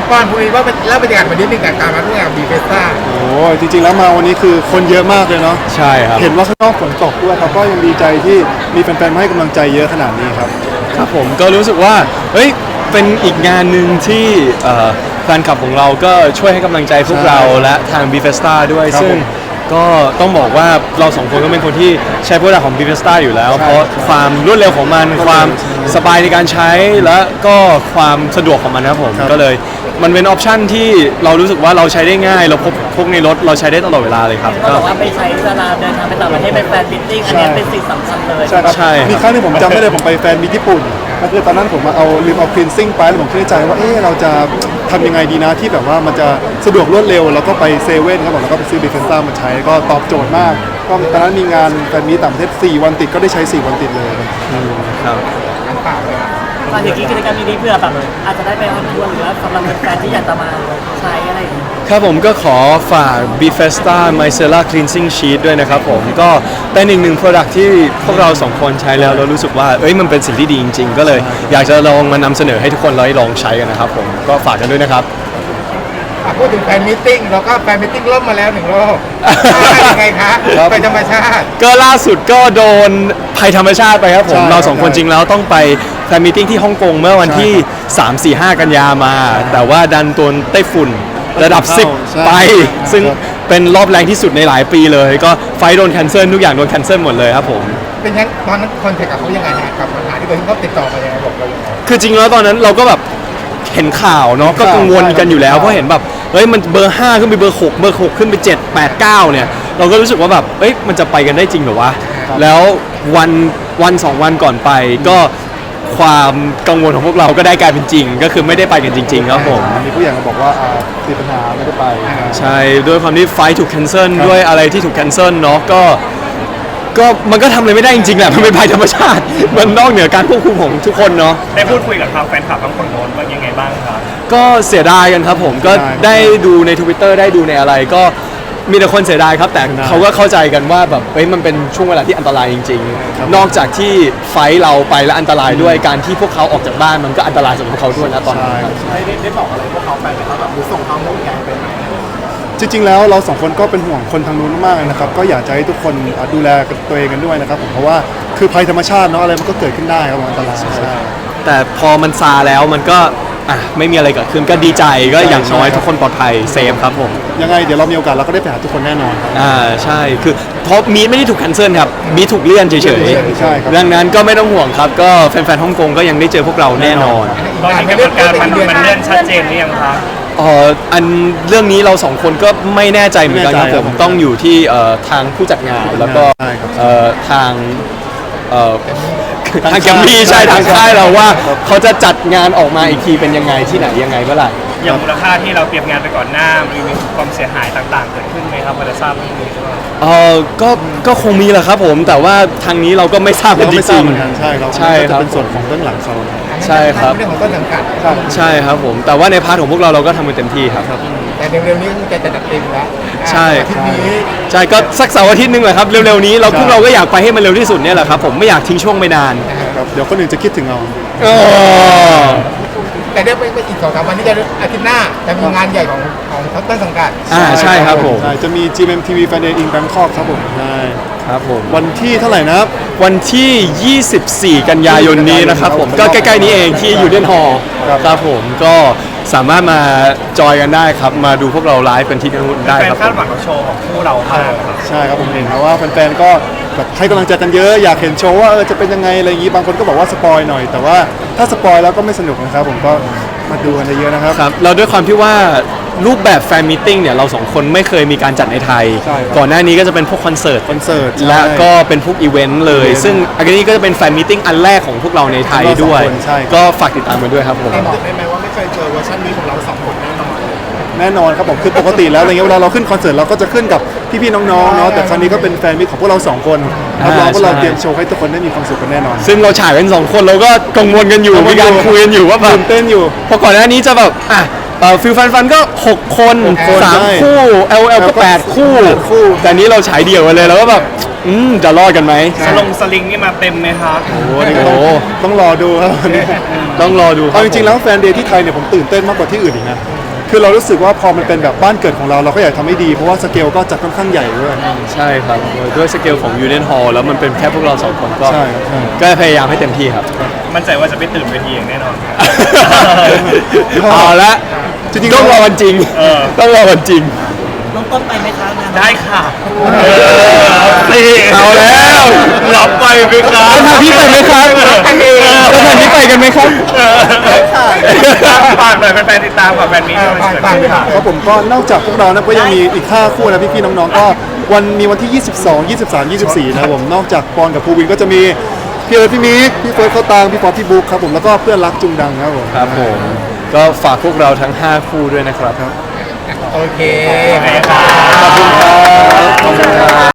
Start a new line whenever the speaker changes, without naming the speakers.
ปอนพูดว่าแล้วบรรยากาศวันนี้เป็นการมาร่วมงานบีเฟสต้า
โอ้จริงๆแล้วมาวันนี้คือคนเยอะมากเลยเนาะ
ใช่ครับ
เห็นว่าข้างนอกฝนตกด้วยครับก็ยังดีใจที่มีแฟนๆมาให้กำลังใจเยอะขนาดนี้ครับ
ครับผมก็รู้สึกว่าเฮ้ยเป็นอีกงานหนึ่งที่แฟนคลับของเราก็ช่วยให้กำลังใจพวกเราและทาง b f e s t a ด้วยซึ่งก็ต้องบอกว่าเราสองคนก็เป็นคนที่ใช้โปรดักต์ของ b f e s t a อยู่แล้วเพราะความรวดเร็วของมันความสบายในการใช้และก็ความสะดวกของมันนะครับผมก็เลยมันเป็นออปชั่นที่เรารู้สึกว่าเราใช้ได้ง่ายเราพกในรถเราใช้ได้ตลอดเวลาเลยครับ
ก็บอกว่าไปใช้เวลาเดินทางไปต่างประเทศเป็นแฟนมิตติ้งอันนี้เป็นสิ่งสำคัญเลย
ใช่ครับมีครั้งที่ผมจำได้เลยผมไปแฟนมีญี่ปุ่นก็คือตอนนั้นผมมาลืมเอาคลีนซิ่งไปแล้วผมคิดในใจว่าเราจะทำยังไงดีนะที่แบบว่ามันจะสะดวกรวดเร็วแล้วก็ไปเซเว่นครับผมแล้วก็ไปซื้อบีเฟนซ่ามาใช้ก็ตอบโจทย์มากก็ตอนนั้นมีงานแฟนมีต่างประเทศ4 วันติดก็ได้ใช้4 วันติดเลย
ครับ
มาถึงกิจกรรมนี้เพื่อแบบอาจจะได้ไปออนทัวร์หรือว่าสำหรับแฟนที่อยากจะมาใช้อะไรอย่างเงี้ย
ครับผมก็ขอฝาก Bifesta Micellar Cleansing Sheet ด้วยนะครับผมก็เป็นอีกหนึ่ง product ที่พวกเราสองคนใช้แล้วเรารู้สึกว่ามันเป็นสิ่งที่ดีจริงๆก็เลยอยากจะลองมานำเสนอให้ทุกคนได้ลองใช้กันนะครับผมก็ฝากกันด้วยนะครับ
พูดถึงแฟนมิทติ้งเราก็แฟนมิทติ้งล่มมาแล้ว1 รอบยังไงคะไปธรรมชาติ
ก็ล่าสุดก็โดนภัยธรรมชาติไปครับผมเราสองคนจริงแล้วต้องไปแฟนมิทติ้งที่ฮ่องกงเมื่อวันที่ 3-4-5 กันยามาแต่ว่าดันโดนไต้ฝุ่นระดับ10ไปซึ่งเป็นรอบแรงที่สุดในหลายปีเลยก็ไฟโดนแคนเซิลทุกอย่างโดนแคนเซิลหมดเลยครับผม
เป็นยังตอนนั้นคอนแทคกับเขายังไงฮะกับปัญหาที่เขาติดต่อมายังไงบอกเรายังไง
คือจริงแล้วตอนนั้นเราก็แบบเห็นข่าวเนาะก็กังวลกันอยู่แล้วเพราะเห็นแบบมันเบอร์5ขึ้นไปเบอร์6เบอร์6ขึ้นไป7 8 9เนี่ยเราก็รู้สึกว่าแบบมันจะไปกันได้จริงเหรอวะแล้ววัน2 วันก่อนไปก็ความกังวลของพวกเราก็ได้กลายเป็นจริงก็คือไม่ได้ไปกันจริงๆครับผม
มีผู้ใหญ่มาบอกว่าติดปัญหาไม่ได้ไป
ใช่ด้วยความที่ไฟถูกแคนเซิลด้วยอะไรที่ถูกแคนเซิลเนาะก็มันก็ทำอะไรไม่ได้จริงๆแหละมันเป็นภัยธรรมชาติมันนอกเหนือการควบคุมของทุกคนเนาะ
ได้พูดคุยกับทางแฟนคลับทั้งคนโน้นว่ายังไงบ้างครับ
ก็เสียดายกันครับผมก็ได้ดูใน Twitter ได้ดูในอะไรก็มีแต่คนเสียดายครับแต่เขาก็เข้าใจกันว่าแบบมันเป็นช่วงเวลาที่อันตรายจริงๆนอกจากที่ไฟเราไปแล้วอันตรายด้วยการที่พวกเขาออกจากบ้านมันก็อันตรายสำหรับเขาด้วยนะตอนนี้
ได้บอกอะไรพวกเขาไปไหมครับแบบหรือส่งความห่วงใยไปไหม
จริงๆแล้วเรา2 คนก็เป็นห่วงคนทางนู้นมากๆนะครับก็อยากจะให้ทุกคนดูแลตัวเองกันด้วยนะครับผมเพราะว่าคือภัยธรรมชาติเนาะอะไรมันก็เกิดขึ้นได้ครับอันตรายใช่
แต่พอมันซาแล้วมันก็ไม่มีอะไรเกิดขึ้นก็ดีใจก็อย่างน้อยทุกคนปลอดภัยเซฟครับผม
ยังไงเดี๋ยวเรามีโอกาสเราก็ได้ไปหาทุกคนแน่นอน
ใช่คือเพราะมีไม่ได้ถูกแคนเซิลครับมีถูกเลื่อนเฉยๆดังนั้นก็ไม่ต้องห่วงครับก็แฟนๆฮ่องกงก็ยังได้เจอพวกเราแน่นอน
ตอนนี้กำหนดการมันเลื่อนชัดเจนหรือยังครับ
อันเรื่องนี้เราสองคนก็ไม่แน่ใจเหมือนกันครับผมต้องอยู่ที่ทางผู้จัดงานแล้วก็ทางแกมมี่ใช่ทางค่ายเราว่าเขาจะจัดงานออกมาอีกทีเป็นยังไงที่ไหนยังไงเมื่อไหร่
อย่างมูลค่าที่เราเตรียมงานไปก่อนหน้ามีความเสียหายต่างๆเกิดขึ้นไหมครับพอจะทราบเรื่องนี้ด้วย
ก็คงมีแหละครับผมแต่ว่าทางนี้เราก็ไม่ทราบจริง
ๆใช่ครับ
ใช่ครับ
เป็นส่วนของเบื้องหลังเขา
ใช่ครับ
เรื่องของต้นสังกัด
ใช่ครับผมแต่ว่าในพาร์ทของพวกเราก็ทำมันเต็มที่ครับ
แต่เร็วๆนี้จะจัดเต็มแล้ว
ใช่ใช่ก็สักเสาร์อาทิตย์นึงแหละครับเร็วๆนี้พวกเราก็อยากไปให้มันเร็วที่สุดเนี่ยแหละครับผมไม่อยากทิ้งช่วงไปนาน
เดี๋ยวคนอื่นจะคิดถึงเรา
แต่เดี๋ยวไปอีก2-3 วันนี้จะอาทิตย์หน้าจะมีงานใหญ่ของต้นสังกัด
ใช่ครับผม
จะมี GMMTV Fan Day in Bangkok ครับผมใช่
ครับผม
วันที่เท่าไหร่นะครับ
วันที่ 24 กันยายนนี้นะครับผมก็ใกล้ๆนี้เองที่ยูเดนฮอลล์ครับผมก็สามารถมาจอยกันได้ครับมาดูพวกเราไลฟ์เป็นที่นู่นได้ครับ
คาดหวังกับโชว์ของคู่เราครับ
ใช่ครับผมเห็นนะว่าแฟนๆก็แบบให้กำลังใจกันเยอะอยากเห็นโชว์ว่าจะเป็นยังไงอะไรอย่างนี้บางคนก็บอกว่าสปอยหน่อยแต่ว่าถ้าสปอยแล้วก็ไม่สนุกนะครับผมก็มาดูกันเยอะนะครับ
ครับเราด้วยความที่ว่ารูปแบบแฟนมีตติ้งเนี่ยเราสองคนไม่เคยมีการจัดในไทยก่อนหน้านี้ก็จะเป็นพวกคอนเสิร์ตและก็เป็นพวกอีเวนต์เลยซึ่งอันนี้ก็จะเป็นแฟนมีตติ้งอันแรกของพวกเราในไทยด้วยก็ฝากติดตามกันด้วยครับผม
บอกได้ไหมว่าไม่เคยเจอเวอร์ชันนี้ของเรา2 คน
แน่นอนครับผมคือปกติแล้วอะไรเงี้ยเวลาเราขึ้นคอนเสิร์ตเราก็จะขึ้นกับพี่ๆน้องๆเนาะแต่ครั้งนี้ก็เป็นแฟนมิตรของพวกเรา2 คนรับรองว่าเราเตรียมโชว์ให้ทุกคนได้มีความสุขกันแน่นอน
ซึ่งเราฉายกัน2 คนเราก็กังวลกันอยู่มีการคุยกันอยู่ว่าแบบ
ตื่นเต้นอยู่
เพราะก่อนหน้านี้จะแบบฟิลฟันก็6 คน3 คู่ LL ก็8 คู่แต่นี้เราฉายเดี่ยวกันเลยแล้วก็แบบจะรอดกันไหม
สลิงนี่มาเต็มไหมครับ
โอ้โหต้องรอดูครับ
ต้องรอดู
เอาจริงๆแล้วแฟนเดย์ที่ไทยเนี่ยผมตื่นเต้นมากกว่าที่อื่นอีกนะคือเรารู้สึกว่าพอมันเป็นแบบบ้านเกิดของเราเราก็อยากทำให้ดีเพราะว่าสเกลก็จัดค่อนข้างใหญ่ด้วย
ใช่ครับด้วยสเกลของยูเนียนฮอลแล้วมันเป็นแค่พวกเราสองคนก็
ใช่ครับใช่
ก็พยายามให้เต็มที่ครับ
มั่นใจว่าจะไม่ตื่นเวทีอย่างแน่นอนครับ
เอาละ
จริงๆ
ต้องรอวันจริง ต้องรอวันจริง
น้องต้นไปไหมคะงาน
ได้ค่ะ
เอาแล้ว
รับไปไหมครับ
แล้วทางพี่ไปไหมครับแล้วทางพี่ไปกันไหมครับ
ฝากหน่อยแฟนๆติดตามกับแฟนมีที่มันจะเกิดขึ้นค่ะ
ครับผมก็นอกจากพวกเรานะก็ยังมีอีก5คู่นะพี่ๆน้องๆก็มีวันที่ 22 23 24นะครับผมนอกจากปอนกับภูวินก็จะมีพี่เอิร์ธพี่มิกพี่เฟิร์สเขาตางพี่ฟอสพี่บุ๊คครับผมแล้วก็เพื่อนรักจุงดังครับผม
ครับผม ก็ฝากพวกเราทั้ง 5 คู่ด้วยนะครับ
โอเค
โอเคครับ
ขอบคุณครับ